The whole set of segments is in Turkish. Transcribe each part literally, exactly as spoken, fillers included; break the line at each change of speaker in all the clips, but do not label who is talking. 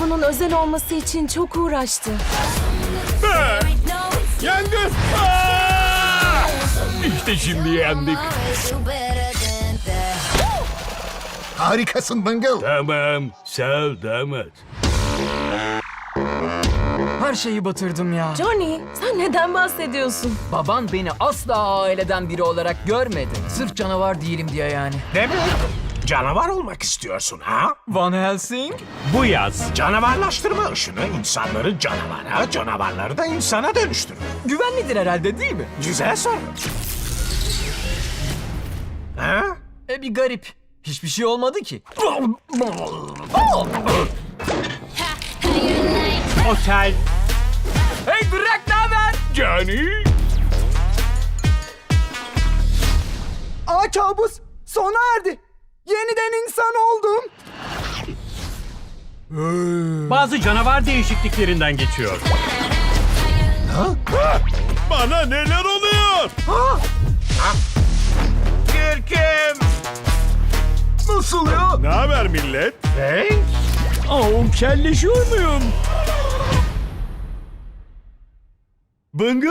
bunun özel olması için çok uğraştı.
Ha! Yangın! Aa! İşte şimdi yendik.
Harikasın Bungle.
Tamam, sağ ol damat.
Her şeyi batırdım ya.
Johnny, sen neden bahsediyorsun?
Baban beni asla aileden biri olarak görmedi. Sırf canavar değilim diye yani.
Demek canavar olmak istiyorsun ha?
Van Helsing?
Bu yaz
Canavarlaştırma ışını insanları canavara, canavarları da insana dönüştürür.
Güvenlidir herhalde değil mi?
Güzel soru. Ha?
E bir garip. Hiçbir şey olmadı ki.
otel
Hey Drak, ne haber?
Johnny.
Aa, kabus sona erdi. Yeniden insan oldum.
Bazı canavar değişikliklerinden geçiyor. Bana neler oluyor?
Gürküm!
Nasıl ya?
Ne haber millet?
Hey?
Aa, kelleşiyor muyum? Bungle?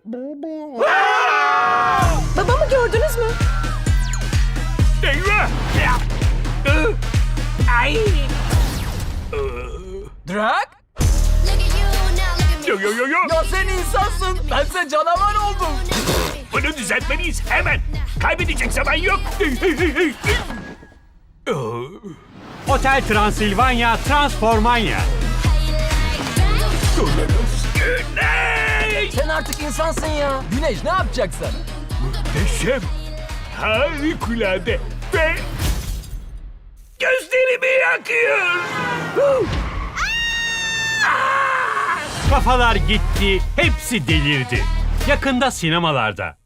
Babamı gördünüz mü?
Eyvah! Ay!
Drak?
Yo yo yo yo!
Ya sen insansın. Bense canavar oldum.
Bunu düzeltmeliyiz hemen. Kaybedecek zaman yok. Otel Transilvanya Transformanya. Güney!
Sen artık insansın ya. Güneş ne yapacaksın?
Muhteşem. Harikulade. Ve gözlerimi yakıyor. Kafalar gitti. Hepsi delirdi. Yakında sinemalarda.